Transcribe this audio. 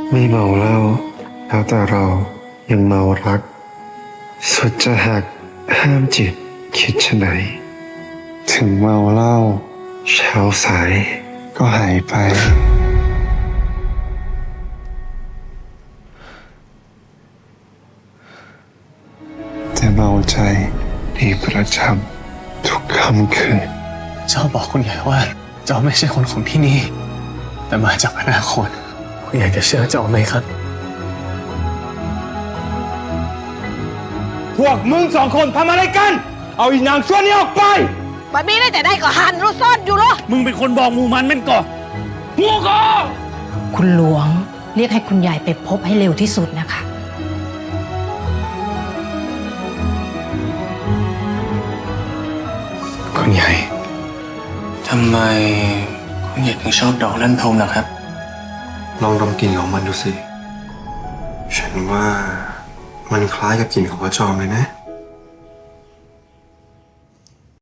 ไม่เมาเหล้าแล้วแต่เรายังเมารักสุดจะหักห้ามจิตคิดชะไหนถึงเมาเหล้าเช้าสายก็หายไปแต่เมาใจดีประจำทุกค่ำคืนเจ้าบอกคุณใหญ่ว่าเจ้าไม่ใช่คนของที่นี่แต่มาจากอนาคตคุณใหญ่จะเชื่อเจ้าไหมครับพวกมึง2 คนทำอะไรกันเอาอีนางชั่วนี้ออกไปบัดนี้ได้แต่ได้ก็หันรู้ซ่อนอยู่เหรอมึงเป็นคนบอกหมู่มันแม่นก่อหัวก็คุณหลวงเรียกให้คุณยายไปพบให้เร็วที่สุดนะคะคุณใหญ่ทำไมคุณใหญ่ถึงชอบดอกลั่นทมล่ะครับลองดมกลิ่นของมันดูสิฉันว่ามันคล้ายกับกลิ่นของพระจอมเลยนะ